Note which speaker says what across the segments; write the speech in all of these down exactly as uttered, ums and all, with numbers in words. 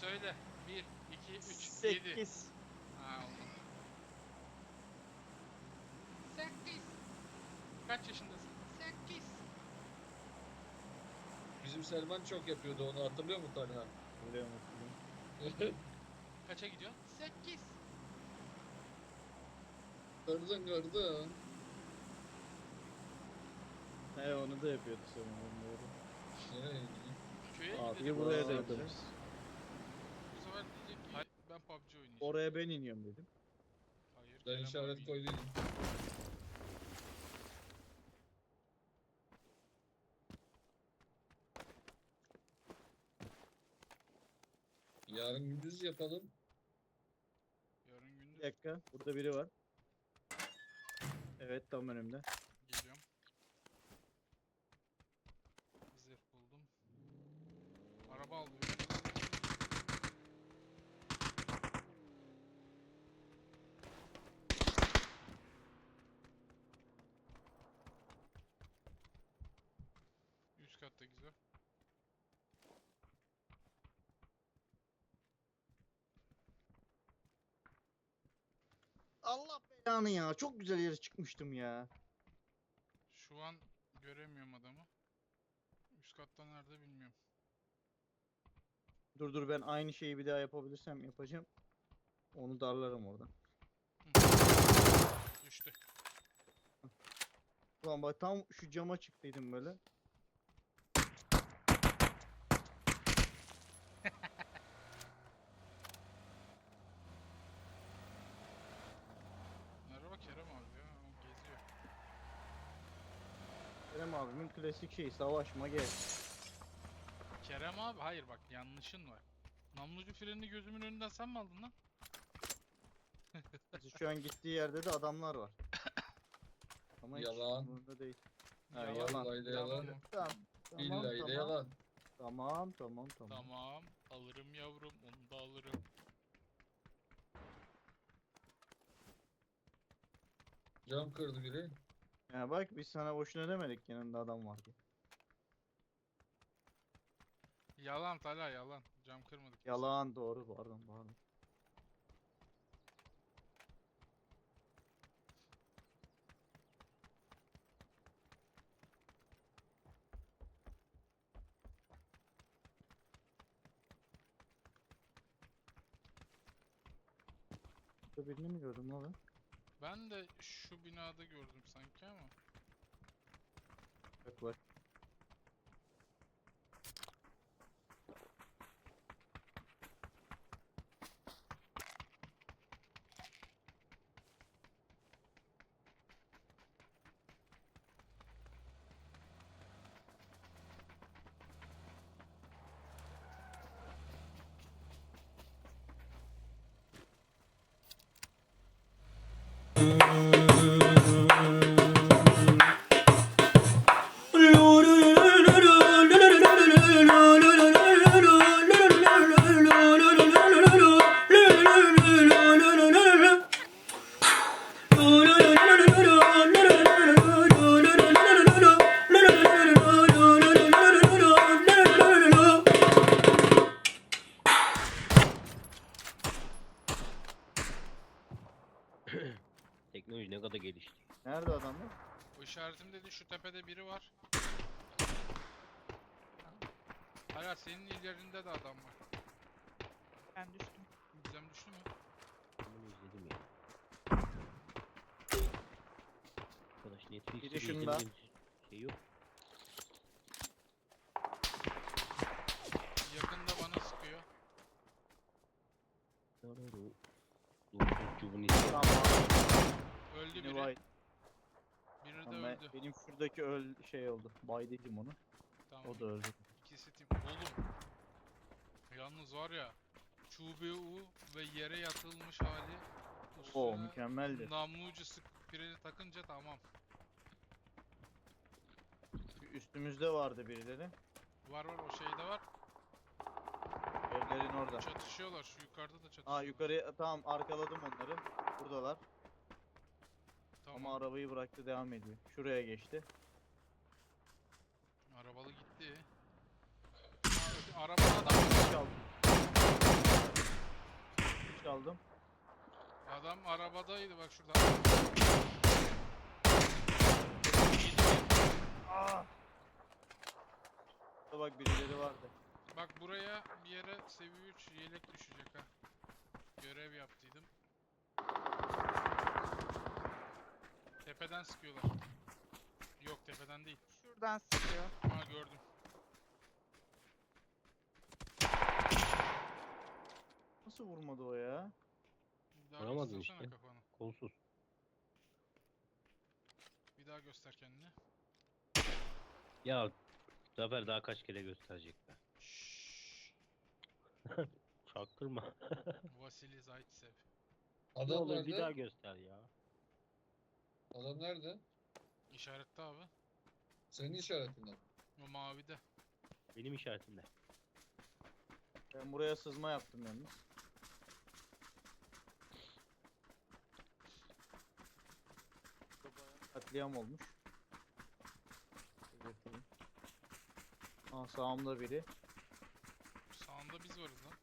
Speaker 1: söyle. bir, iki, üç, yedi.
Speaker 2: sekiz.
Speaker 1: Ha oldu. sekiz. Kaç yaşındasın? sekiz.
Speaker 3: Bizim Selman çok yapıyordu onu, hatırlıyor musun Talha?
Speaker 2: Biliyorum hatırlıyorum.
Speaker 1: Kaça gidiyorsun? sekiz.
Speaker 3: Gördün gördün.
Speaker 2: He onu da yapıyordu sanırım doğru.
Speaker 3: Ee,
Speaker 1: Köye
Speaker 2: Abi
Speaker 1: gidelim.
Speaker 2: buraya da
Speaker 3: Aa,
Speaker 2: yaparız.
Speaker 1: Bu sefer diyecek ki
Speaker 2: Hayır.
Speaker 1: ben P U B G oynayacağım.
Speaker 2: Oraya ben iniyorum dedim.
Speaker 1: Hayır.
Speaker 3: Ben
Speaker 1: Kerem
Speaker 3: işaret
Speaker 1: abi.
Speaker 3: koydum. Yarın gündüz yapalım.
Speaker 1: Yarın
Speaker 2: Bir
Speaker 1: gündüz
Speaker 2: dakika burada biri var. Evet tam önümde.
Speaker 1: geliyorum. Zırh buldum. Araba alıyorum. Üst katta güzel.
Speaker 2: Allah belanı ya. Çok güzel yere çıkmıştım ya.
Speaker 1: Şu an göremiyorum adamı. Üst katta nerede bilmiyorum.
Speaker 2: Dur dur ben aynı şeyi bir daha yapabilirsem yapacağım. Onu darlarım oradan.
Speaker 1: Düştü.
Speaker 2: Ulan bak tam şu cama çıktıydım böyle.
Speaker 1: Merhaba Kerem abi ya. O geziyor.
Speaker 2: Kerem abimin klasik şeyi savaşma gel.
Speaker 1: Kerem abi hayır bak yanlışın var. Namlucu frenini gözümün önünden sen mi aldın lan?
Speaker 2: Şu an gittiği yerde de adamlar var. Ama hiç
Speaker 3: Yalan.
Speaker 2: umurumda değil. Ha,
Speaker 1: Yalan.
Speaker 2: yalan.
Speaker 3: Vallahi de yalan.
Speaker 1: mı?
Speaker 2: Tamam. Tamam
Speaker 3: İlla ile
Speaker 2: tamam.
Speaker 3: yalan.
Speaker 2: Tamam tamam tamam.
Speaker 1: Tamam. Alırım yavrum. Onu da alırım.
Speaker 3: Cam kırdı biri.
Speaker 2: Ya bak biz sana boşuna demedik yanında adam var diye.
Speaker 1: Yalan Talha yalan. Cam kırmadık. biz.
Speaker 2: Yalan doğru pardon pardon. Burada birini mi gördüm lan ben?
Speaker 1: Ben de şu binada gördüm sanki ama.
Speaker 2: Bak bak.
Speaker 4: Teknoloji ne kadar gelişti.
Speaker 2: Nerede adamlar?
Speaker 1: O işaretim dedi şu tepede biri var. Hala senin ilerinde de adam var.
Speaker 5: Ben düştüm.
Speaker 1: Gizem düştü mü?
Speaker 4: Bunu izledim ya. Arkadaş Netflix'te
Speaker 2: Biri şunda.
Speaker 4: izlediğim şey yok.
Speaker 1: Yakında bana sıkıyor.
Speaker 4: Doğru. Doğru. izle.
Speaker 2: Tamam.
Speaker 1: Öldü
Speaker 2: Yine
Speaker 1: biri.
Speaker 2: vay.
Speaker 1: Biri de
Speaker 2: Tamam, ben-
Speaker 1: öldü.
Speaker 2: benim şuradaki öl şey oldu. Baydıydım onu.
Speaker 1: Tamam.
Speaker 2: O da öldü.
Speaker 1: İkisi tim. Oğlum. Yalnız var ya. Çubuğu ve yere yatılmış hali.
Speaker 2: O
Speaker 1: Üstüne
Speaker 2: mükemmeldi.
Speaker 1: namlucu sık freni takınca tamam.
Speaker 2: Üstümüzde vardı birileri.
Speaker 1: Var var o şeyde var.
Speaker 2: Evlerin orada.
Speaker 1: Çatışıyorlar. Şu yukarıda da çatışıyorlar.
Speaker 2: Aa yukarıya tamam arkaladım onları. Buradalar.
Speaker 1: Tamam.
Speaker 2: Ama arabayı bıraktı devam ediyor. Şuraya geçti.
Speaker 1: Arabalı gitti. Aa, arabada adam var.
Speaker 2: Çaldı. aldım.
Speaker 1: Adam arabadaydı bak şurada.
Speaker 2: Aa! Burada bak birileri vardı.
Speaker 1: Bak buraya bir yere seviye üç yelek düşecek ha. Görev yaptıydım. Tepeden sıkıyorlar. Yok tepeden değil.
Speaker 5: Şuradan sıkıyor.
Speaker 1: Ha gördüm.
Speaker 2: Nasıl vurmadı o ya?
Speaker 1: Bir daha
Speaker 4: Vuramadın
Speaker 1: göstersene
Speaker 4: işte.
Speaker 1: kafanı.
Speaker 4: Kolsuz.
Speaker 1: Bir daha göster kendini.
Speaker 4: Ya Zafer daha kaç kere gösterecek be.
Speaker 1: Şşş.
Speaker 4: Çaktırma.
Speaker 1: Vasili Zaitsev.
Speaker 4: Ne
Speaker 3: Adam
Speaker 4: olur
Speaker 3: nerede?
Speaker 4: bir daha göster ya.
Speaker 3: Adam nerede?
Speaker 1: İşarette abi.
Speaker 3: Senin işaretinden.
Speaker 1: O mavide.
Speaker 4: Benim işaretimde.
Speaker 2: Ben buraya sızma yaptım yalnız. Katliam olmuş. Belirteyim. Aa, sağımda biri.
Speaker 1: Sağında biz varız lan.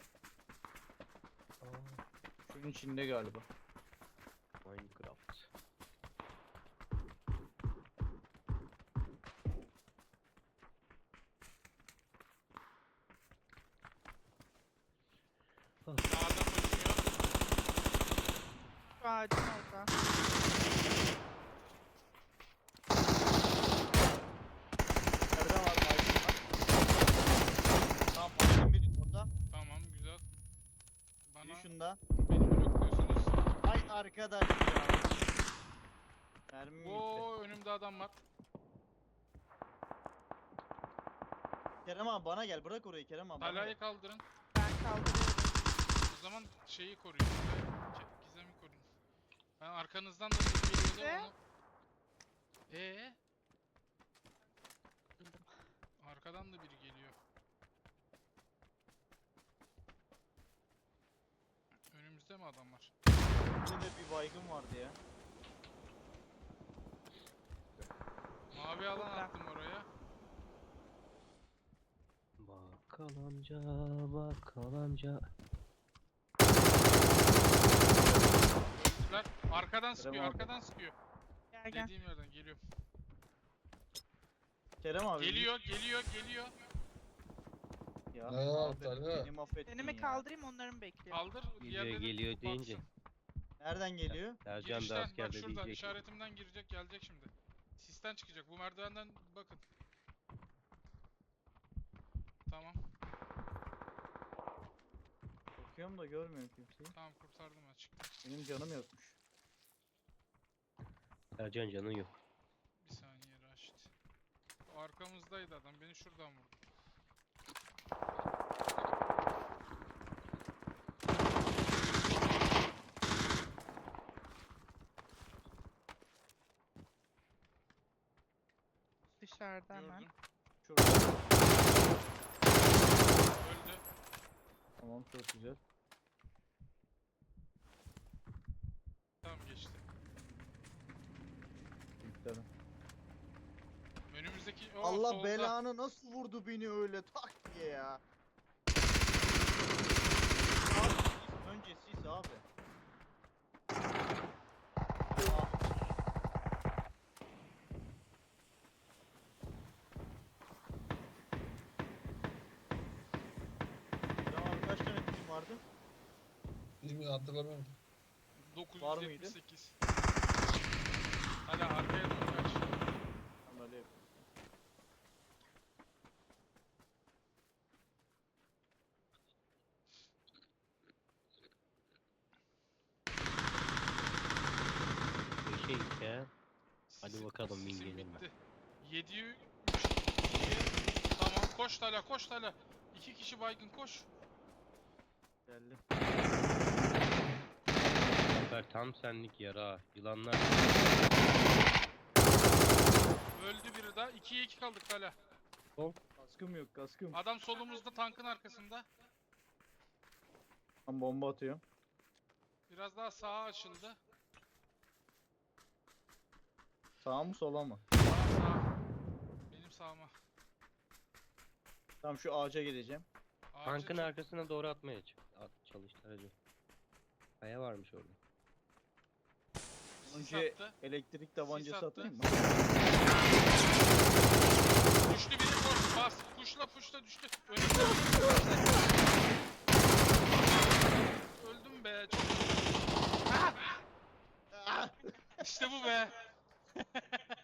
Speaker 2: Şunun içinde galiba.
Speaker 4: Minecraft.
Speaker 1: Sağda koşuyor.
Speaker 5: Şu ağacın orada.
Speaker 2: Nerede var Aydın var? Tamam Aydın biri orada.
Speaker 1: Tamam güzel.
Speaker 2: Biri
Speaker 1: Bana
Speaker 2: şunda.
Speaker 1: beni blokluyorsunuz.
Speaker 2: Ay arkadaş ya. Mermim gitti.
Speaker 1: Oo önümde adam var.
Speaker 2: Kerem abi bana gel, bırak orayı Kerem abi. bana
Speaker 1: Talayı
Speaker 2: gel.
Speaker 1: kaldırın.
Speaker 5: Ben kaldırıyorum.
Speaker 1: O zaman şeyi koruyun. Ke- Gizemi koruyun. Ben arkanızdan da bir geliyordu
Speaker 5: Ne?
Speaker 1: onu. Ee,
Speaker 5: Bildim.
Speaker 1: arkadan da biri geliyor. Önümüzde mi adam var?
Speaker 2: Burada da bir baygın vardı ya.
Speaker 1: Mavi alan
Speaker 5: Burada.
Speaker 1: attım oraya.
Speaker 4: Bakkal amca, bakkal amca.
Speaker 1: Öldüler. Arkadan sıkıyor,
Speaker 2: abi.
Speaker 1: arkadan sıkıyor.
Speaker 5: Gel gel.
Speaker 1: Dediğim yerden geliyorum.
Speaker 2: Kerem abi.
Speaker 1: Geliyor, geliyor, geliyor.
Speaker 2: Ya
Speaker 3: Ne
Speaker 2: abi,
Speaker 3: yaptı Talha?
Speaker 2: beni mahvettin
Speaker 5: Seni mi
Speaker 2: ya.
Speaker 5: kaldırayım onları mı bekliyorum?
Speaker 1: Kaldır,
Speaker 4: Geliyor,
Speaker 1: diğerleri
Speaker 4: geliyor deyince.
Speaker 1: baksın.
Speaker 2: Nereden geliyor?
Speaker 4: Sercan da
Speaker 1: Girişten, bak
Speaker 4: askerde
Speaker 1: şuradan,
Speaker 4: diyecek.
Speaker 1: işaretimden girecek, gelecek şimdi. Sisten çıkacak, bu merdivenden bakın. Tamam,
Speaker 2: Bakıyorum da görmüyorum kimseyi.
Speaker 1: tamam kurtardım ben, çıktım.
Speaker 2: Benim canım yokmuş.
Speaker 4: Sercan canın yok.
Speaker 1: Bir saniye Raşit. O arkamızdaydı adam, beni şuradan vurdu.
Speaker 5: Dışarıda hemen.
Speaker 1: Gördüm.
Speaker 2: Şurada.
Speaker 1: Öldü.
Speaker 2: Tamam, çok güzel.
Speaker 1: Tamam geçti.
Speaker 2: Bitti adam.
Speaker 1: Önümüzdeki o
Speaker 2: Allah
Speaker 1: solda.
Speaker 2: belanı nasıl vurdu beni öyle tak diye ya. Abi sis, önce sis abi. Ah. Tamam, kaç tane film vardı?
Speaker 3: Bilmiyorum, hatırlamıyorum.
Speaker 2: Var mıydı?
Speaker 1: dokuz yüz yetmiş sekiz. Hadi arkaya doğru kaç.
Speaker 2: Tamam, öyle yapayım.
Speaker 4: Bir şey ya. Hadi
Speaker 1: Sisim-
Speaker 4: bakalım, win
Speaker 1: sisim
Speaker 4: gelir mi?
Speaker 1: bitti. yediye üç. Tamam koş Tala koş Tala. İki kişi baygın koş.
Speaker 2: Geldim.
Speaker 4: Zafer tam senlik yara. Yılanlar.
Speaker 1: Öldü biri daha. ikiye iki kaldık Tala.
Speaker 2: Kaskım yok, kaskım.
Speaker 1: Adam solumuzda tankın arkasında.
Speaker 2: Ben bomba atıyorum.
Speaker 1: Biraz daha sağa açıldı.
Speaker 2: Sağa mı sola mı?
Speaker 1: Sağa sağa. Benim sağıma.
Speaker 2: Tamam, şu ağaca gideceğim.
Speaker 1: Ağaca
Speaker 4: Tankın
Speaker 1: çık.
Speaker 4: arkasına doğru atmaya ç- at, çalıştı aracı. Kaya varmış orada.
Speaker 1: Sis
Speaker 2: Önce
Speaker 1: attı.
Speaker 2: elektrik tabancası
Speaker 1: attı.
Speaker 2: atayım mı?
Speaker 1: Düştü biri koş bas. Puşla puşla düştü. Önümde önümde. Öldüm be. Çok... Ah! İşte bu be.